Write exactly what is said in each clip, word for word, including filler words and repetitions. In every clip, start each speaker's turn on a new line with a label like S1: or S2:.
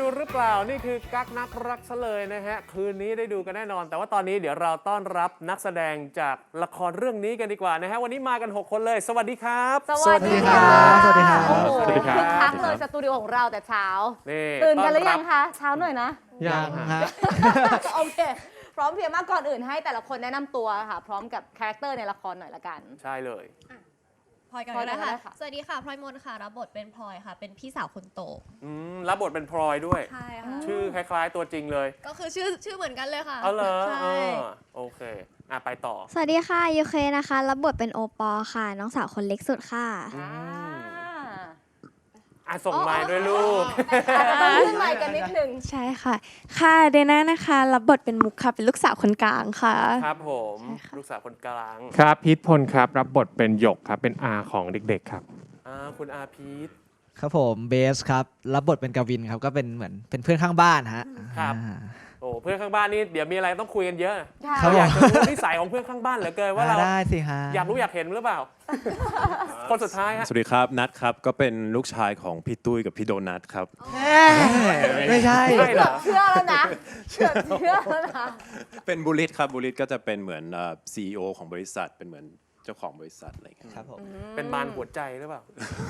S1: ดูหรือเปล่านี่คือกั๊กนักรักซะเลยนะฮะคืนนี้ได้ดูกันแน่นอนแต่ว่าตอนนี้เดี๋ยวเราต้อนรับนักแสดงจากละครเรื่องนี้กันดีกว่านะฮะวันนี้มากันหกคนเลยสวัสดีครับ
S2: สวัสดีครับสวัสดีครับ
S3: โอ้โห
S1: สวัสดีครับ
S3: คึกคักเลยสตูดิโอของเราแต่เช้า
S1: นี่
S3: ตื่นกันหรือยัง
S1: ต้
S3: คะเช้าหน่อยนะ
S1: ยังฮะ
S3: โอเคพร้อมเพรียงมากก่อนอื่นให้แต่ละคนแนะนำตัวค่ะพร้อมกับคาแรคเตอร์ในละครหน่อยละกัน
S1: ใช่เลย
S2: พลอยกัน
S3: พลอย
S2: ก็ได้
S3: ก็ได้
S2: ค่ะ
S3: ค่ะ
S2: สวัสดีค่ะพลอยมนค่ะรับบทเป็นพลอยค่ะ เป็นพี่สาวคนโต
S1: อืมรับบทเป็นพลอยด้วย
S2: ใช่ค่ะ
S1: ชื่อคล้ายๆตัวจริงเลย
S2: ก็คือชื่อชื่อเหมือนกันเลยค่ะ
S1: เอาเหรอ
S2: ใช่
S1: เออโอเคอ่ะไปต่อ
S4: สวัสดีค่ะยูเคนะคะรับบทเป็นโอปอล์ค่ะ น้องสาวคนเล็กสุดค่ะ
S1: อืม
S3: อ่า
S1: อ่ะส่งไม้ด้วยลูก
S3: อาจจะต้องขึ้นไมค์กันนิดนึง
S5: ใช่ค่ะ ค่ะเดน่านะคะรับบทเป็นมุกค่ะ เป็นลูกสาวคนกลางค่ะ
S1: ครับผมลูกสาวคนกลาง
S6: ครับพีทพลครับรับบทเป็นหยกครับเป็นอาของเด็กๆครับ
S1: อ่าคุณอาพีท
S7: ครับผมเบสครับรับบทเป็นกวินครับก็เป็นเหมือนเป็นเพื่อนข้างบ้านฮะ
S1: ครับ
S7: อ่า
S1: โอ้เพื่อนข้างบ้านนี่เดี๋ยวมีอะไรต้องคุยกันเยอะ
S3: ค่ะ
S7: ครับ
S1: อยากจะรู้นิสัยของเพื่อนข้างบ้านเหลือเกินว่าเรา
S7: ได้สิฮะ
S1: อยากรู้อยากเห็นหรือเปล่า คนสุดท้ายฮะ
S8: สวัสดีครับนัทครับก็เป็นลูกชายของพี่ตุ้ยกับพี่โดนัทครับ
S7: ไม่ใช่
S1: ใช่เหรอ
S3: เชื่อแล้วนะเชื่อเชื่อแล้วนะ
S8: เป็นบุริษครับบุริษก็จะเป็นเหมือนซีอีโอของบริษัทเป็นเหมือนเจ้าของบริษัทอะไรอย่างเงี้ย
S7: ครับผม
S1: เป็นมารหัวใจหรือเปล่า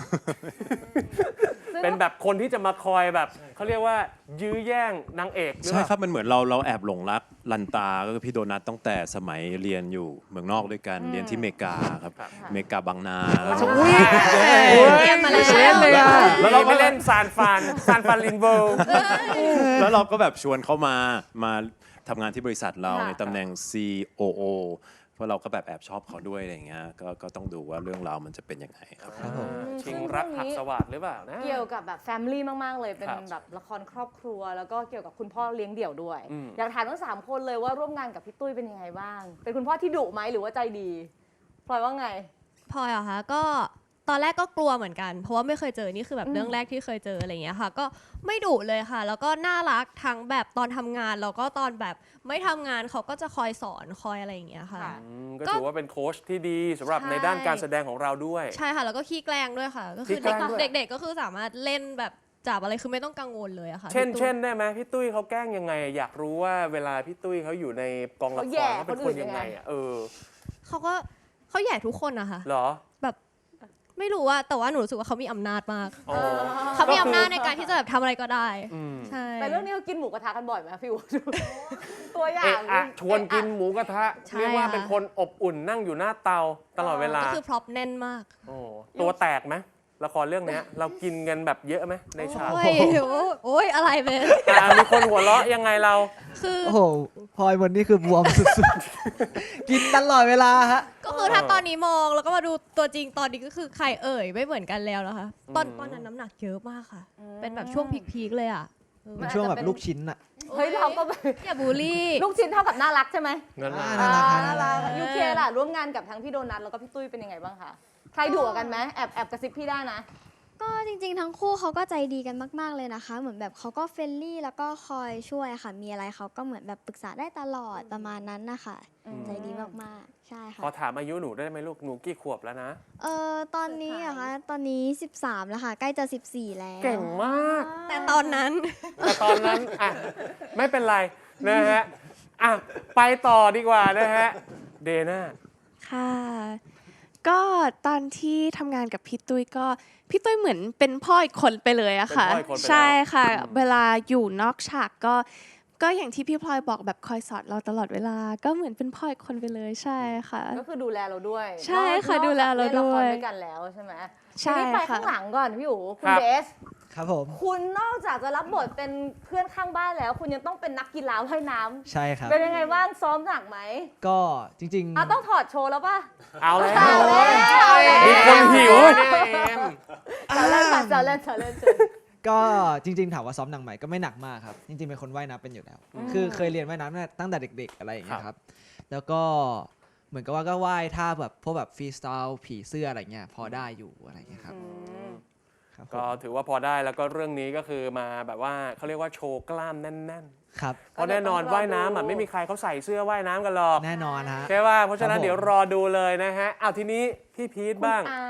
S1: เป็นแบบคนที่จะมาคอยแบบเขาเรียกว่ายื้อแย่งนางเอกหรือ
S8: ใช่
S1: เปล่า
S8: ครับมันเหมือนเราเราแอบหลงรักลันตาก็คือพี่โดนัทตั้งแต่สมัยเรียนอยู่เมืองนอกด้วยกันเรียนที่อเมริกาครับอเมริกาบางนาแล้วก็
S2: เตรียมมาแล้ว
S1: เล่นเลยอ่ะ
S8: แล้
S1: แล้ว
S8: วเรา
S1: เรา
S8: ก็
S1: ไปเล่นซานฟรานซานฟรานลินโบ
S8: แล้วเราก็แบบชวนเขามามาทำงานที่บริษัทเรา
S3: ค่ะ
S8: ในตำแหน่ง ซี โอ โอ เพราะเราก็แบบแอบชอบเขาด้วยอะไรอย่างเงี้ยก็ก็ต้องดูว่าเรื่องราวมันจะเป็นยังไงครับ
S7: ครับผม
S1: ชิงรักหักสวัสดหรือเปล่านะ
S3: เกี่ยวกับแบบแฟมิลี่มากๆเลยเป็น
S1: ครับ
S3: แบบละครครอบครัว แล้วก็เกี่ยวกับคุณพ่อเลี้ยงเดี่ยวด้วย
S1: อืม
S3: อยากถามทั้งสามคนเลยว่าร่วมงานกับพี่ตุ้ยเป็นยังไงบ้าง เป็นคุณพ่อที่ดุไหมหรือว่าใจดีพลอยว่าไง
S2: พลอยเหรอคะก็ตอนแรกก็กลัวเหมือนกัน เพราะว่าไม่เคยเจอนี่คือแบบ
S3: อืม
S2: เรื่องแรกที่เคยเจออะไรอย่างเงี้ยค่ะ ก็ไม่ดุเลยค่ะ แล้วก็น่ารักทั้งแบบตอนทำงานแล้วก็ตอนแบบไม่ทำงานเขาก็จะคอยสอนคอยอะไรอย่างเงี้ยค่ะ
S3: ค่ะ
S1: อืมก็ถือว่าเป็นโค้ชที่ดีสำหรับ
S2: ใช่
S1: ในด้านการแสดงของเราด้วย
S2: ใช่ค่ะ แล้วก็ขี้แกล้งด้วยค่ะ ก็คือ
S1: ขี้แกล้งด้วย
S2: เด็กๆก็คือสามารถเล่นแบบจับอะไรคือไม่ต้องกังวลเลยอะค่ะ
S1: เช่น
S2: พี่ตุ้ย
S1: เช่นได้ไหมพี่ตุ้ยเขาแกล้งยังไง อยากรู้ว่าเวลาพี่ตุ้ยเขาอยู่ในกองละค
S3: เขาแย่
S1: รเขาเป็น
S3: คน
S1: ค
S3: อื่
S1: น
S3: นยั
S1: ยัง
S3: ง
S1: ไง
S3: ไง
S1: อ่ะเออ
S2: เขาก็เขาแย่ทุกคนนะคะ
S1: เหรอ
S2: แบบไม่รู้ว่าแต่ว่าหนูรู้สึกว่าเขามีอำนาจมาก
S1: อ๋อ
S2: เขามีอำนาจในการที่จะแบบทำอะไรก็ได้
S1: อืม
S2: ใช่
S3: แต่เรื่องนี้เขากินหมูกระทะกันบ่อยไหมพี่อู๋ ตัวอย่า
S1: เอะ
S3: ง
S1: อะชวนกินหมูกระทะ
S2: ใช่
S1: เรียกว่า
S2: ค่ะ
S1: เป็นคนอบอุ่นนั่งอยู่หน้าเตาตลอดเวลา
S2: ก็คือพร็อพแน่นมาก
S1: โอ้ตัวแตกไหมละครเรื่องเนี้ย เรากินกันแบบเยอะไหมในฉาก
S2: โอ้ยโอ้ยอะไรเบน
S1: อ่ะมีคนหัวเราะยังไงเรา
S2: คือ
S7: โอ้โหพลอยวันนี้คือบวมสุดๆ กินตลอดเวลาฮะ
S2: ก็คือถ้าตอนนี้มองแล้วก็มาดูตัวจริงตอนนี้ก็คือใครเอ่ยไม่เหมือนกันแล้วนะคะ ตอนตอนนั้นน้ำหนักเยอะมากค่ะ เป็นแบบช่วงพีคๆเลยอ่ะเออ
S7: เป็นช่วงแบบลูกชิ้นอะ
S3: เฮ้ยเราก็แบบ
S2: อย่าบูลลี่
S3: ลูกชิ้นเท่ากับน่ารักใช่ไหม
S1: นั่นแหละ
S7: น่ารัก
S3: อ่า
S7: น่า
S3: น่า
S7: รั
S3: รั
S7: ก
S3: กยูเคล่ะร่วมงานกับทั้งพี่โดนัทแล้วก็พี่ตุ้ยเป็นยังไงบ้างคะใครดุกว่ากันไหมแอบแอบกระซิบพี่ได้นะ
S4: ก็จริงๆ ทั้งคู่เขาก็ใจดีกันมากๆเลยนะคะ เหมือนแบบเขาก็เฟรนลี่แล้วก็คอยช่วยค่ะ มีอะไรเขาก็เหมือนแบบปรึกษาได้ตลอดประมาณนั้นนะคะ
S3: อืม
S4: ใจดีมากๆ ใช่ค่ะ
S1: ขอถามอายุหนูได้ไหมลูกหนูกี่ขวบแล้วนะ
S4: เออตอนนี้อะคะตอนนี้ สิบสาม แล้วค่ะ ใกล้จะ สิบสี่ แล้ว
S1: เก่งมาก
S2: แต่ตอนนั้น
S1: แต่ตอนนั้นอ่ะไม่เป็นไรนะฮะอ่ะไปต่อดีกว่านะฮะเดน่า
S5: ค่ะ ก็ตอนที่ทำงานกับพี่ตุ้ยก็พี่ตุ้ยเหมือนเป็นพ่ออีกคนไปเลยอะค่ะ
S1: เป็นพ่ออีกคนไปแล้ว
S5: ใช่ค่ะ
S1: อืม
S5: เวลาอยู่นอกฉากก็ก็อย่างที่พี่พลอยบอกแบบคอยสอนเราตลอดเวลา ก็เหมือนเป็นพ่ออีกคนไปเลยใช่ค่ะ
S3: ก็คือดูแลเราด้วย
S5: ใช่ค่ะ
S3: นอก
S5: ดูแลเราด้วย
S3: นอกจากเล่นละครด้วยกันแล้วใช่ไหม
S5: ใช่
S3: ทีนี้ไป
S5: ค่ะ
S3: ข้างหลังก่อนพี่อู๋คุ
S1: ค
S3: ณ
S1: รับ
S3: เบส
S7: ครับผม
S3: คุณนอกจากจะรับบทเป็นเพื่อนข้างบ้านแล้ว คุณยังต้องเป็นนักกีฬาว่ายน้ำ
S7: ใช่ครับ
S3: เป็นยังไงบ้างซ้อมหนักไหม
S7: ก็จริง
S3: อ่ะต้องถอดโชว์แล้วป่ะ
S1: เอาแล้ว
S3: เอาแล้วเอาแล้ว
S1: มีคนหิวเนี่ยเอ็ม
S3: เจาเล่นค่ะเจาเล่นเจาเล่นเจาเล่น
S7: ๆ ก็จริง ๆ ถามว่าซ้อมหนักไหมก็ไม่หนักมากครับ จริง ๆ เป็นคนว่ายน้ำเป็นอยู่แล้ว คือเคยเรียนว่ายน้ำตั้งแต่เด็ก ๆ อะไรอย่างเงี้ยครับ แล้วก็เหมือนกับว่าก็ว่ายท่าแบบพวกแบบฟรีสไตล์ผีเสื้ออะไรเงี้ยพอได้อยู่อะไรเงี้ยครับครับผม
S1: ก็ถือว่าพอได้แล้วก็เรื่องนี้ก็คือมาแบบว่าเขาเรียกว่าโชว์กล้ามแน่น
S7: ครับ
S1: ๆเพราะแน่นอนว่ายน้ำอ่ะไม่มีใครเขาใส่เสื้อว่ายน้ำกันหรอก
S7: แน่นอนฮะ
S1: ใช่ป่ะเพราะฉะนั้น
S7: ครับผม
S1: เดี๋ยวรอดูเลยนะฮะเอาทีนี้พี่พีทบ้าง
S3: อ่า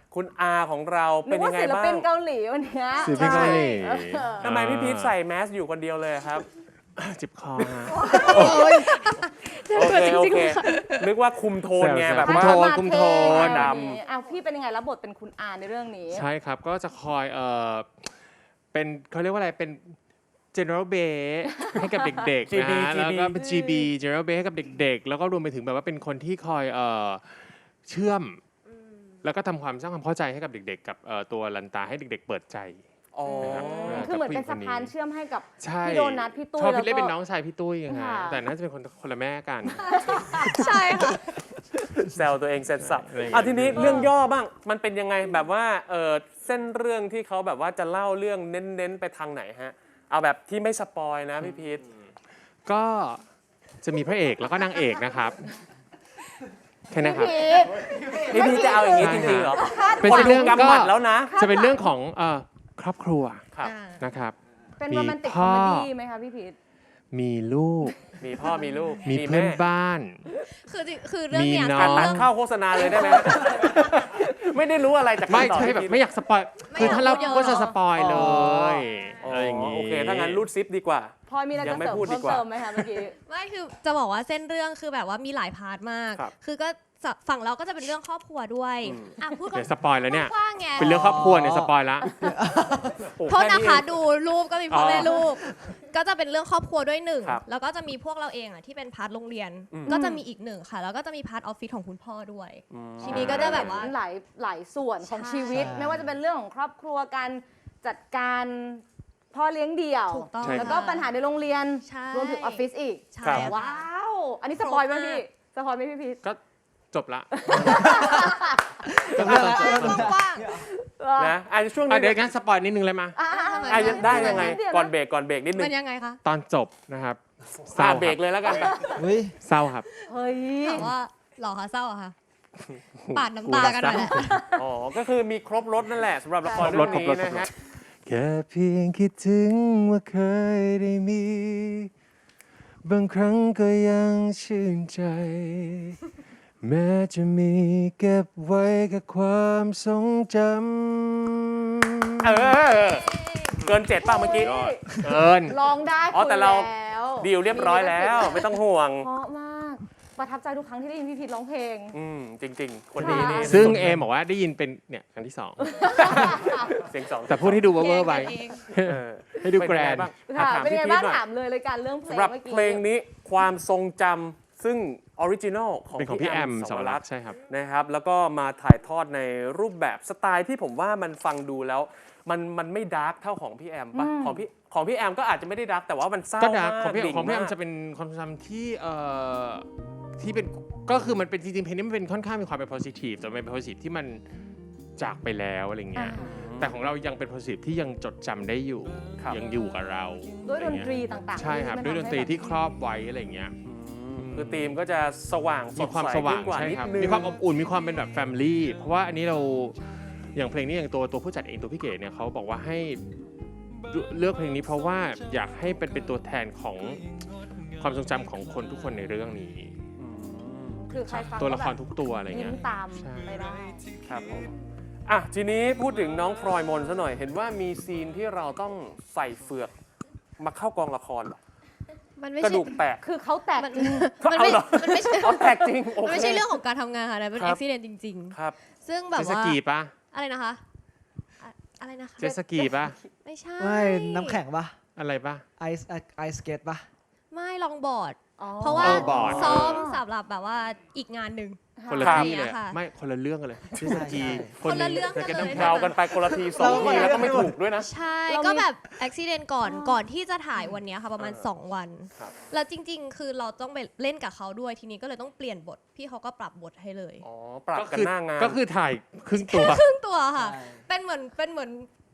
S1: คุณอาของเรา
S3: นึ
S1: เป็
S3: ก
S1: น
S3: ว่า
S1: ยังไง
S3: ศิล
S1: บ้า
S3: ปิ
S1: ง
S3: นเกาหลีวันเนี้ย
S6: ศิลปินเกาหลี
S1: ทำไมพี่พีทใส่แมสอยู่คนเดียวเลยครับ
S6: จิบคอฮะ
S1: โอเคโอเคนึกว่าคุมโทนไง
S6: แซวๆ
S1: แบบ
S6: คุม
S1: ว่า
S6: โทนคุมโทน
S1: ด
S3: อ้าวพี่เป็นยังไงรับบทเป็นคุณอาในเรื่องนี้
S6: ใช่ครับ ก็จะคอยเออเป็นเขาเรียกว่าอะไรเป็น general b a s ให้กับเด็กๆ
S1: จี
S6: นะ
S1: บี
S6: ฮะ
S1: จี
S6: แล้ว
S1: บี
S6: ก็เป็น จี บี general b a s ให้กับเด็กๆ แล้วก็รวมไปถึงแบบว่าเป็นคนที่คอยเออเชื่อม แล้วก็ทำความสร้างความเข้าใจให้กับเด็กๆ กับเอ่อตัวลันตาให้เด็ก ๆ เปิดใจ
S1: อ๋อ
S6: นะครับ
S3: คือเหมือนเป็นสะพานเชื่อมให้กับ
S6: ใช่
S3: พี่โดนัทพี่ตุ้ย
S6: ชอบ
S3: แล้ว
S6: พี่เล่น
S3: ก็
S6: เป็นน้องชายพี่ตุ้ยไงฮะ
S3: ค่ะ
S6: แต่น่าจะเป็นคนคนละแม่กัน
S2: ใช่ค่ะ
S1: แซวตัวเองเสร็จสับ
S6: อะไรอย่างเงี้ย
S1: อ่ะทีนี้เรื่องย่อบ้างมันเป็นยังไงแบบว่าเออเส้นเรื่องที่เขาแบบว่าจะเล่าเรื่องเน้นๆไปทางไหนฮะเอาแบบที่ไม่สปอยนะพี่พีท
S6: ก็จะมีพระเอกแล้วก็นางเอกนะครับแค่นั้นครับ
S3: พี่
S1: พี่พีทจะเอาอย่างนี้จริงๆเหรอ
S6: เป็น
S1: คน
S6: เรื่
S1: ดู
S6: อง
S1: กำ
S6: ก็
S1: หมัดแล้วนะ
S6: จะเป็นเรื่องของเอ่อครอบครัว
S1: ครับ
S6: นะครับ
S3: เป็น
S6: มี
S3: โรแมนติกค
S6: พ่
S3: อ
S6: อ
S3: มเมดี้ไหมคะพี่พีท
S6: มีลูก
S1: มีพ่อมีลูก
S6: มีเพื่อน
S1: แม่
S6: บ้าน
S2: คือจริงคือเรื่องเนี้ย
S6: มีน้
S1: ตั
S6: อ
S1: ด
S6: ง
S1: ตัดเข้าโฆษณาเลยได้ไหม ไม่ได้รู้อะไรจาก
S6: ไม่
S1: คำตอบ
S6: ใช่
S1: พี่
S6: แบบ
S1: พีท
S6: ไม่อยากสปอย
S2: ไม่
S6: คือถ้าเรา
S2: อยากพูดเยอะ
S6: ก็จะสปอย
S1: อ๋อ
S6: เลยอะไรอย่าง
S1: งี้
S6: งี้
S1: โอเคถ้างั้นรูดซิปดีกว่า
S3: พลอยมีอะไร
S1: ยั
S3: จะ
S1: งไม่
S3: เสริม
S1: พูดดี
S3: เพิ่ม
S1: กว่า
S3: เติมไหมคะเมื่อกี้
S2: ไม่คือจะบอกว่าเส้นเรื่องคือแบบว่ามีหลายพาร์ทมาก
S1: ครับ
S2: คือก็จะฝั่งเราก็จะเป็นเรื่องครอบครัวด้วย
S1: อืม
S2: อ่ะพูด
S6: เดี๋ยวสปอยแล้วเนี่ย
S2: กว้างๆไง
S6: เป็นเรื่องครอบครัวเนี่ยสปอยละ
S1: โอ้
S2: โทษ
S1: แ
S2: นะคะ
S1: เอง
S2: ดูรูปก็มีพ่อแม่
S6: อ๋อ
S2: ลูก ก็จะเป็นเรื่องครอบครัวด้วยหนึ่ง
S1: ครับ
S2: แล้วก็จะมีพวกเราเองอ่ะที่เป็นพาร์ทโรงเรียน
S1: อืม
S2: ก็จะมีอีกหนึ่งค่ะ แล้วก็จะมีพาร์ทออฟฟิศของคุณพ่อด้วย
S1: อืม
S2: ทีนี้ก็จะแบบว่า
S3: หลายหลายส่วนของ
S2: ใช่
S3: ชีวิต ไม่ว่าจะเป็นเรื่องของครอบครัวการจัดการพ่อเลี้ยงเดี่ยว
S2: ถูกต้อง
S6: ใช่
S3: แล้วก็ปัญหาในโรงเรียน
S2: ใช่
S3: รวมถึงออฟฟิศอีก
S2: ใช่
S1: ครับ
S2: ค่ะ
S3: ว้าว อันนี้สปอยล์ไหมพี่สปอยล์ไหมพี่พีท
S6: ก็จบละ
S7: จบแล้ว
S2: กว้าง
S1: นะอันช่วง
S6: อ่ะ
S1: นี้
S6: เดี๋ยวงั้นสปอยนิดนึงเลยมา
S3: อ่ะอ่ะอ่ะ
S1: อ่ะได้ยังไง
S3: เดี๋วะ
S1: ก่อนเบรกก่อนเบรกนิด
S2: ๆ
S1: นึ
S2: มั
S1: ง
S2: นยังไงคะ
S6: ตอนจบนะครับเศ
S1: อ่ะ
S6: ร้า
S1: เบรกเลยแล้วกัน
S7: อุ้ย
S6: เศร้าครับ
S3: เฮ้ย
S2: ถามว่าหล่อคะเศร้าเหรอคะปาดน้ำตากันหน่อยแหละ
S1: อ๋อ ก็คือมีครบรถนั่นแหละสำหรับละคร
S6: ครบ
S1: เรื่
S6: ร
S1: อ
S6: ถ
S1: ง
S6: ครบ
S1: นี้
S6: รถ
S1: นะฮะ
S6: แค่เพียงคิดถึงว่าเคยได้มี บางครั้งก็ยังชื่นใจ แม้จะมีเก็บไว้แค่ความทรงจำ
S1: เออ เกินเจ็ดป่ะเมื่อกี้
S6: เกิน
S3: ลองได้
S1: อ๋อแต่เรา
S3: คุยแล้ว
S1: ดีลเรียบร้อยแล้ว ไม่ต้องห่วง
S3: เพราะมาก ประทับใจทุกครั้งที่ได้ยินพี่พีทร้องเพลง
S1: อืม จริง ๆ คนนี้นี่
S6: ซึ่งเอมบอกว่าได้ยินเป็นเนี่ยครั้งที่สอง
S1: เสียงสอง
S6: แต่พูดให้ดูเวอร์ๆไป
S2: เอง
S1: เออ
S6: ให้ดู
S1: เป็น
S6: แกร
S1: ยังไง
S6: นด์
S1: บ้าง
S3: ค่ะ
S1: อ่ะถาม
S3: เป็น
S1: พี่
S3: ไง
S1: พีท
S3: บ้าง
S1: หน่อย
S3: ถามเลยรายการเรื่องเพลง
S1: สำหรับ
S3: เมื่อกี้
S1: เพลงนี้ความทรงจำซึ่งออริจินอลของ
S6: เป็นของพี่แอมสวรักษ์ใช่ครับ
S1: นะครับ แล้วก็มาถ่ายทอดในรูปแบบสไตล์ที่ผมว่ามันฟังดูแล้ว มันมันไม่ดาร์กเท่าของพี่แอมปะของพี่ของพี่แอมก็อาจจะไม่ได้ดาร์กแต่ว่ามันเศร้า
S6: ก็ดัก
S1: มาก
S6: ของพี่
S1: ดิ่
S6: ของพี่แอม
S1: าก
S6: จะเป็นความทรงจำที่เอ่อที่เป็นก็คือมันเป็นจริงๆเพลงนี้มันเป็นค่อนข้างมีความเป็น positive แต่มันเป็น positive ที่มันจากไปแล้วอะไรเงี้ย
S3: อ่า
S6: แต่ของเรายังเป็น positive ที่ยังจดจำได้อยู่
S1: ครับ
S6: ยังอยู่กับเรา
S3: ด้วยดน
S6: อะไเงี้
S3: ตรีต่างๆ
S6: ใช่ครับ
S3: ที่
S6: ด้วยดนตรี
S3: มัทำให้
S6: ที่ครอบไว้อะไรเงี้ย
S1: อืมคือธีมก็จะสว่างส
S6: มี
S1: ด
S6: ความ
S1: ใส
S6: สว่าง
S1: ขึ้นกว่า
S6: ใช่
S1: นิด
S6: ครับ
S1: นึง
S6: มีความอบอุ่นมีความเป็นแบบ family เพราะว่าอันนี้เราอย่างเพลงนี้อย่างตัวตัวผู้จัดเองตัวพี่เก๋เนี่ยเขาบอกว่าให้เลือกเพลงนี้เพราะว่าอยากให้เป็นเป็นตัวแทนของความทรงจำของคนทุกคนในเรื่องนี้
S1: อืม
S3: คือใครฟัง
S6: ตัวละคร
S3: ก็
S6: ทุกตัวอะไร
S3: แบบ
S6: เงี้
S3: ยิ้
S6: ย
S3: มตาม
S6: ใช่
S3: ไปได้
S1: ครับผมอ่ะทีนี้พูดถึงน้องพลอยมนซะหน่อย เห็นว่ามีซีนที่เราต้องใส่เฟือกมาเข้ากองละครเหรอ
S2: มันไม่
S1: กระ
S2: ใช่
S1: ดูกแตก
S3: คือเขาแตก
S2: มัน
S3: จริง
S2: มันไม่
S1: เอาเหรอ
S2: มันไม่ใช่
S1: อ๋อแตกจริงโอ
S2: มัน
S1: เค
S2: ไม่ใช่เรื่องของการทำงานค่ะนะเป็น
S1: ครั
S2: อุ
S1: บ
S2: บิเหตุจริง
S1: ครับ
S2: ๆ ซึ่งแบบ
S6: เจตส
S2: ว่า
S6: กีปะ
S2: อะไรนะคะอะอะไรนะคะ
S6: เจตสกีปะ
S2: ไม่ใช่
S7: ไม่น้ำแข็งปะ
S6: อะไรปะ
S7: ไอซ์ไอซ์สเกตปะ
S2: ไม่ลองบอร์ด
S3: อ๋อ
S2: เพราะว่า
S6: เออบอร์ด
S2: ซ้อมสำหรับแบบว่าอีกงานหนึ่ง
S6: คนละ
S1: ครับ
S6: ที่เลย
S2: ค่ะ
S6: ไม่คนละเรื่องกันเลยเจตสกี
S2: คนละเรื่องกัน
S6: แต่
S2: เลย
S6: น้ำแข็
S1: เรา
S6: ง
S1: กันไปคนละทีสองทีแล้วก็ไม่ถูกด้วยนะ
S2: ใช่
S3: เรามี
S2: ก็แบบอุบิเหตุก่อนก่อนที่จะถ่ายวันเนี้ยค่ะประมาณ
S1: เออ
S2: สองวัน
S1: ครับ
S2: แล้วจริง ๆ คือเราต้องไปเล่นกับเขาด้วยทีนี้ก็เลยต้องเปลี่ยนบท พี่เขาก็ปรับบทให้เลย
S1: อ๋อ ปรับ
S6: ก็
S1: กัน
S6: คือ
S1: หน้างาน
S6: ก็คือถ่ายครึ่งตัว
S2: ครึ่งตัวค่ะ เป็นเหมือนเป็นเหมือน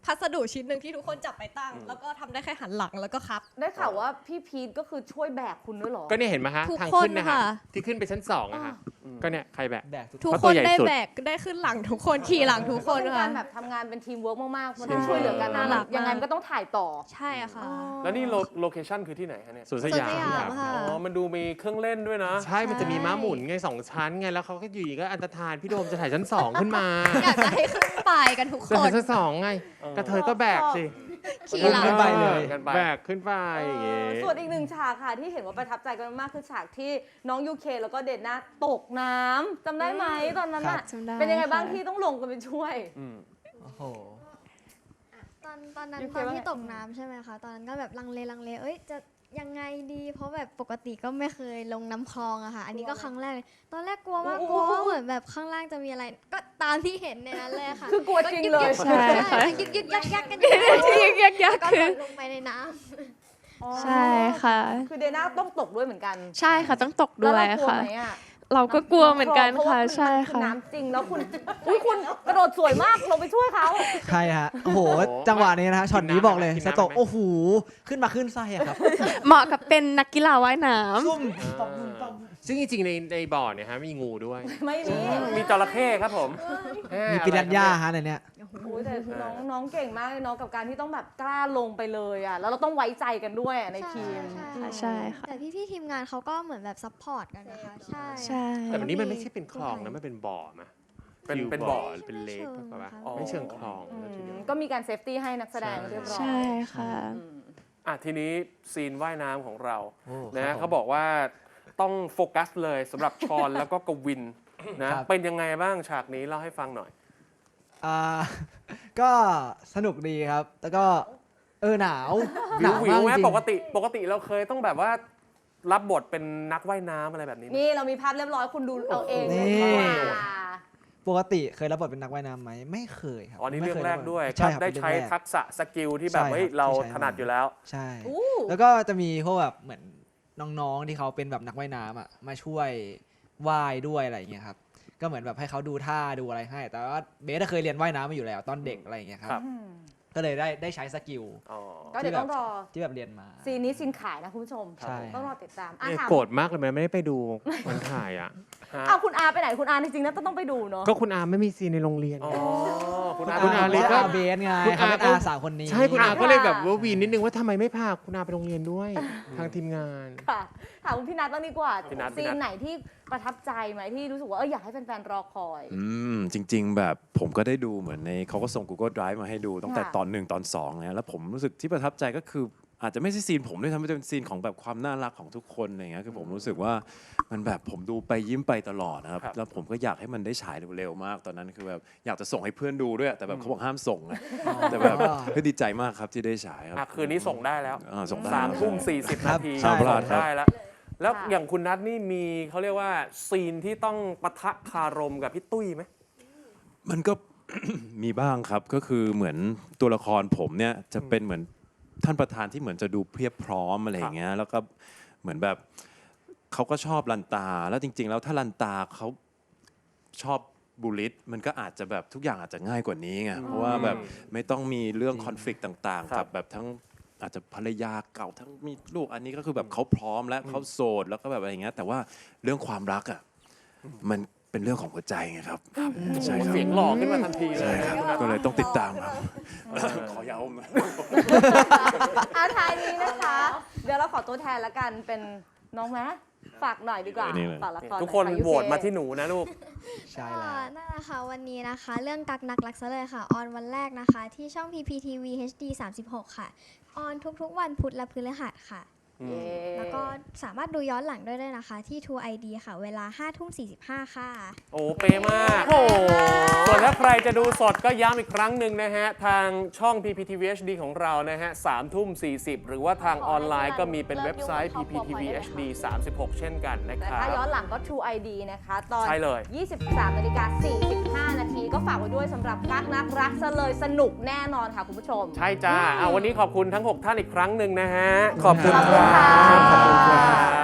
S2: พัสดุชิ้นหนึ่งที่ทุกคนจับไปตั้ง แล้วก็ทำได้แค่หันหลังแล้วก็ครับ
S3: ได้ข่าวว่าพี่พีทก็คือช่วยแบกคุณด้วยเหรอ
S1: ก็เนี่ยเห็นไหมฮะ
S2: ทุก
S1: ทาง
S2: คน
S1: ขึ้นนะฮะ
S2: ค่ะ
S1: ที่ขึ้นไปชั้นสองอะฮะก็เนี่ยใครแบก
S7: แบกทุก
S2: ทุก
S1: เพราะ
S2: ค
S1: ตัวน ใหญ่
S2: ได้
S1: สุด
S2: แบกได้ขึ้นหลังทุกคนขี่หลังทุกคน
S3: เป็น
S2: ค่ะ
S3: การแบบทำงานเป็นทีมเวิร์กมากๆมันต้อง
S1: ใช่
S3: ช่วยเหลือกัน
S2: น่ารักมาก
S3: ยังไงมันก็ต้องถ่ายต่อ
S2: ใช่ค่ะ
S1: แล้วนี่โลโลเคชั่นคือที่ไหนฮะเนี่ย
S8: สวนส
S2: สวน
S8: ยาม
S2: สยามค่ะ
S1: อ๋อมันดูมีเครื่องเล่นด้วยนะ
S6: ใช่ มันจะมีม้าหมุนไงสองชั้นไง แล้วเขาก็อยู่ดีก็อันตรธานพี่โดมจะถ่ายชั้นสองขึ้นมา
S2: อยากจะให้ขึ้นไปกันทุกค
S6: จะถ่าย
S2: น
S6: ชั้นสองไง กระเทยก็แบกสิ
S2: ขี่หลัง
S7: ขึ้นไปเลย
S1: กันไป
S6: แบกขึ้นไปอย่างเงี้ย
S3: ส่วนอีกหนึ่งฉากค่ะที่เห็นว่าประทับใจกันมากคือฉากที่น้องยูเคแล้วก็เดนน่าตกน้ำจำได้ไหมตอนนั้น
S7: ครั
S3: อะ
S7: บ
S5: จำได้
S3: เป็นยังไงบ้าง
S5: ค่ะ
S3: ที่ต้องลงกันไปช่วย
S7: โอ้โห
S4: ตอนตอนนั้น
S3: ยูเค
S4: ตอน
S3: ว่า
S4: ที่
S3: ไง
S4: ตกน้ำใช่ไหมคะ ตอนนั้นก็แบบลังเลลังเล เอ้ยจะยังไงดี เพราะแบบปกติก็ไม่เคยลงน้ำคลองอะค่ะ อันนี้ก็ครั้งแรกเลยตอนแรกกลัวมากกลัวว่าเหมือนแบบข้างล่างจะมีอะไร ก็ตามที่เห็นในนั้นเลยค่ะ
S3: คือกลัวจริงเลย
S5: ใช่ค่ะ
S4: ยึกยึกยักยักกันอยู่
S5: ที่ยักยัก
S4: ก็
S5: คือ
S4: ลงไปในน้ำ
S5: ใช่ค่ะ
S3: คือเดน่าต้องตกด้วยเหมือนกัน
S5: ใช่ค่ะต้องตก
S3: แล้ว
S5: ด้วย
S3: เรากลัว
S5: ค่ะ
S3: ไหมอะ
S5: เราก็กลัวเหมือนกัน
S3: เพราว่า
S5: ค่ะ
S3: มัน
S5: ใช่
S3: มันคือ
S5: ค่ะ
S3: น้ำจริงแล้วคุณอุ้ยคุณกระโดดสวยมากลงไปช่วยเขา
S7: ใช่ฮะ โอ้โห
S1: โอ้โห
S7: จังหวะนี้นะฮะช็อตนี้บอกเลย
S1: กิน
S7: ส
S1: น้ำไหม
S7: โตกโอ้โห ขึ้นมาขึ้นไส้อะครับ
S5: เหมาะกับเป็นนักกีฬาว่ายน้ำ
S7: ซุ่มตบมุมตบมุม
S6: ซึ่งจริงๆในในบ่อเนี่ยฮะมีงูด้วย
S3: ไม่มี
S1: มีจระเข้ครับผม
S7: มีปิรันย่าฮะในเนี้ย
S3: โอ้ยแต่น้องน้องเก่งมากเลยเนาะกับการที่ต้องแบบกล้าลงไปเลยอ่ะแล้วเราต้องไว้ใจกันด้วยอะในทีม
S4: ใช่
S5: ค่ะใช่ค่ะ
S4: แต่พี่ๆทีมงานเขาก็เหมือนแบบซัพพอร์ตกันนะคะ ใช่
S5: ใช่
S6: แต่วันนี้มันไม่ใช่เป็นคลองนะ มันเป็นบ่อมะ
S1: เป็น
S6: ฟิว
S1: เป็นบ่อ
S6: หรือเป็นเลค
S4: ไม่เชิง
S6: ป่ะวะ
S4: ค่ะ
S1: อ๋อ
S6: ไม่เชิงคลอง
S3: อื
S6: นะทีเดียว
S3: มก็มีการเซฟตี้ให้นักแสดงเรียบร้อย
S5: ใช่ค่ะ
S3: อืม
S1: อ่ะทีนี้ซีนว่ายน้ำของเรา
S7: โอ้
S1: นะ
S7: ครั
S1: ฮะ
S7: บผม
S1: เขาบอกว่าต้องโฟกัสเลยสำหรับชอน แล้วก็กวินนะครับ เป็นยังไงบ้างฉากนี้เล่าให้ฟังหน่อย
S7: อ่า ก็สนุกดีครับ แล้วก็เออหนาว ห
S1: วิ
S7: นาว ว
S1: วิว
S7: มาก
S1: ไหม
S7: จริง
S1: ปกติปกติเราเคยต้องแบบว่ารับบทเป็นนักว่ายน้ำอะไรแบบนี้ไหม
S3: นี่เรามีภาพเรียบร้อยคุณดูเอาเอง
S7: นี่
S3: ดีกว่า
S7: ปกติเคยรับบทเป็นนักว่ายน้ำไหมไม่เคยครับ
S1: อ๋อนี่
S7: ไม่
S1: เรื่อง
S7: คย
S1: แรกด้วย
S7: ใช่ครับ
S1: ได้
S7: เป็น
S1: ใช้
S7: เรื่องแรก
S1: ทักษะสกิลที่แบบ
S7: ใช่ครับ
S1: เฮ้ยเรา
S7: ที่ใช้
S1: ถนัดอยู่แล้ว
S7: ใช่
S3: อู้
S7: แล้วก็จะมีพวกแบบเหมือนน้องๆที่เขาเป็นแบบนักว่ายน้ำอ่ะมาช่วยว่ายด้วยอะไรอย่างเงี้ยครับ ก็เหมือนแบบให้เขาดูท่าดูอะไรให้ แต่ว่าเบสอะเคยเรียนว่ายน้ำมาอยู่แล้วตอนเด็กอะไรอย่างเงี้ยครั
S1: ครับ บ
S3: อืม
S7: ก็เลยได้ได้ใช้สกิล
S1: อ๋อ
S3: ก็เดี๋ยวต้องรอ
S7: ที่แบบเรียนมา
S3: ซีนนี้ซีนขายนะคุณผู้ชม
S7: ใช่
S3: ต้องรอติดตามอ่ะ
S6: เนี่ย
S3: ถาม
S6: โกรธมากเลยมันไม่ได้ไปดูมันถ่ายอ่ะ
S3: อ้าวคุณอาไปไหนคุณอาจริงๆนะต้องไปดูเนาะ
S6: ก็คุณอาไม่มีซีนในโรงเรียน
S1: อ๋อ
S6: ไง
S1: คุณ
S7: คุณ
S1: อา
S7: อา
S6: คุณอาเลยก็
S7: เบสไง
S6: คุณ
S7: เขา
S6: อา
S7: เป็น
S6: ก็
S7: อาสาวคนนี้
S6: ใช่คุณอาก็เลยแบบว่าวีนนิดนึงว่าทำไมไม่พาคุณอาไปโรงเรียนด้วย ทางทีมงาน
S3: ค่ะถามคุณพี่นัทบ้างดีกว่า
S1: พี่นัทพี่
S3: ซี
S1: นั
S3: น
S1: ท
S3: ไหนที่ประทับใจไหมที่รู้สึกว่าเอออยากให้แฟนๆรอคอย
S8: อืมจริง ๆ แบบผมก็ได้ดูเหมือนในเขาก็ส่ง Google Drive มาให้ดูตั้งแต่
S3: ค่ะ
S8: ตอนหนึ่งตอนสองนะแล้วผมรู้สึกที่ประทับใจก็คืออาจจะไม่ใช่ซีนผมด้วยทำให้เป็นซีนของแบบความน่ารักของทุกคนอะไรเงี้ยคือผมรู้สึกว่ามันแบบผมดูไปยิ้มไปตลอดนะครับ
S1: ครับ
S8: แล้วผมก็อยากให้มันได้ฉายเร็วๆมากตอนนั้นคือแบบอยากจะส่งให้เพื่อนดูด้วยแต่แบบเขาบอกห้ามส่งนะแต่แบบเฮ้ยดีใจมากครับที่ได้ฉายครับ
S1: อ่ะคืนนี้ส่งได้แล้ว
S8: อ่าส่งได้
S1: สามทุ่มสี่สิบ
S7: ครั
S1: นา
S7: บ
S1: ที
S8: ห้ามพลาด
S1: ส่ง
S8: ครับ
S1: ได้แล้ว แล้ว
S3: ค่ะ
S1: อย่างคุณนัทนี่มีเขาเรียกว่าซีนที่ต้องปะทะคารมกับพี่ตุ้ยไหม
S8: มันก็ มีบ้างครับก็คือเหมือนตัวละครผมเนี่ยจะเป็นเหมือนท่านประธานที่เหมือนจะดูเพียบพร้อมอะไรอย่างเงี้ยแล้วก็เหมือนแบบเขาก็ชอบลันตา แล้วจริง ๆ แล้วถ้าลันตาเขาชอบบูลลิตมันก็อาจจะแบบทุกอย่างอาจจะง่ายกว่านี้ไงเพราะว่าแบบไม่ต้องมีเรื่องคอนฟ lict ต่าง
S1: ครั
S8: ๆ กับ บแบบทั้งอาจจะภรรยาเก่าทั้งมีลูกอันนี้ก็คือแบบเขาพร้อมและเขาโสดแล้วก็แบบอะไรอย่างเงี้ยแต่ว่าเรื่องความรักอ่ะมันเป็นเรื่องของหัวใจไงครับใช่ครับ
S1: เสียงหล่อขึ้นมาทันทีเล
S8: ใช่
S1: ย
S8: ครับ
S1: คุณนัท
S8: ก็เลยต้องติดตามครับ ขอยาวมา
S3: อาท้ายนี้นะคะ เดี๋ยวเราขอตัวแทนละกันเป็นน้องแมะฝากหน่อยดีกว่า
S8: เออนี่เลย
S3: ฝากละคร
S1: ทุกคน
S3: หอยะ
S1: โหวตมาที่หนูนะลูก
S7: ใช่
S4: ก็
S7: แล้ว
S4: นั่นแหละค่ะวันนี้นะคะ เรื่องกักนักรักซะเลยค่ะ ออนวันแรกนะคะ ที่ช่อง พี พี ที วี เอช ดี สามสิบหก ค่ะ ออนทุกๆวันพุธและพฤหัสค่ะ
S3: เย้
S4: แล้วก็สามารถดูย้อนหลังได้ด้วยนะคะ ที่ True ไอ ดี ค่ะ เวลา ห้าทุ่มสี่สิบห้า ค่ะ
S1: โอ้เป๊ะมาก ส่วนถ้าใครจะดูสดก็ย้ำอีกครั้งหนึ่งนะฮะ ทางช่อง พี พี ที วี เอช ดี ของเรานะฮะสามทุ่มสี่สิบหรือว่าทางออนไลน์ก็มีเป็นเว็บไซต์ พี พี ที วี เอช ดี สามสิบหก เช่นกันนะ
S3: แต่
S1: ครั
S3: ถ้าย้อน
S1: บ
S3: หลังก็ True ไอ ดี นะคะ ตอน
S1: ใช่เลย
S3: ยี่สิบสามนาฬิกาสี่สิบห้านาทีก็ฝากไว้ด้วยสำหรับกักนักรักซะเลยสนุกแน่นอนค่ะคุณผู้ชม
S1: ใช่จ้าอ่ะวันนี้ขอบคุณทั้ง หก ท่านอีกครั้งหนึ่งนะฮะ ขอบคุณ
S3: ขอบ
S1: ค
S3: คุณ
S1: รั
S3: ค่ะ
S1: บขอบคุณครับ